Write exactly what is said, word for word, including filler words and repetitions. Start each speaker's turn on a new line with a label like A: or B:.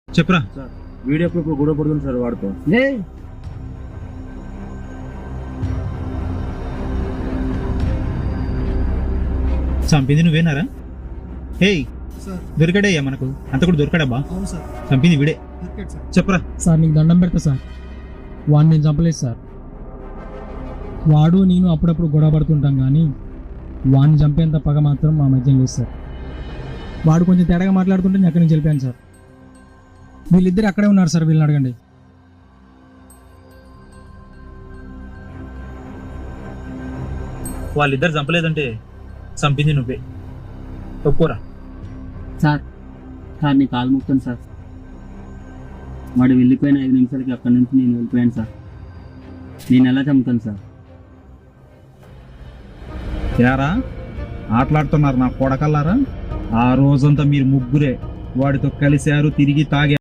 A: చెప్పురా.
B: Sir video proof గొడవ పడుతుంది సార్ వాడితో.
A: చంపింది నువ్వేనారా? హేయ్,
C: సార్
A: దొరికాడయ్యా మనకు. అంత కూడా దొరికాడబ్బా.
C: అవును సార్
A: చంపింది వీడే.
C: Cricket sir.
A: చెప్పురా.
D: సార్ నీకు దండం పెడతా సార్, వాడిని నేను చంపలేదు సార్. వాడు నేను అప్పుడప్పుడు గొడవ పడుతుంటాం కానీ వాడిని చంపేంత పగ మాత్రం మా మధ్య లేదు సార్. వాడు కొంచెం తేడాగా మాట్లాడుతుంటే నేను అక్కడి నుంచి వెళ్ళిపోయాను సార్. వీళ్ళిద్దరు అక్కడే ఉన్నారు సార్, వీళ్ళని అడగండి.
A: వాళ్ళిద్దరు చంపలేదంటే చంపింది నువ్వే. ఒప్పుకోరా.
B: సార్ సార్ నీ కాలు ముక్తాను సార్. వాడు వెళ్ళిపోయిన ఐదు నిమిషాలకి అక్కడి నుంచి నేను వెళ్ళిపోయాను సార్. నేను ఎలా చంపుతాను సార్?
A: యారా ఆటలాడుతున్నారు నా కొడకల్లారా? ఆ రోజంతా మీరు ముగ్గురే వాడితో కలిశారు, తిరిగి తాగారు.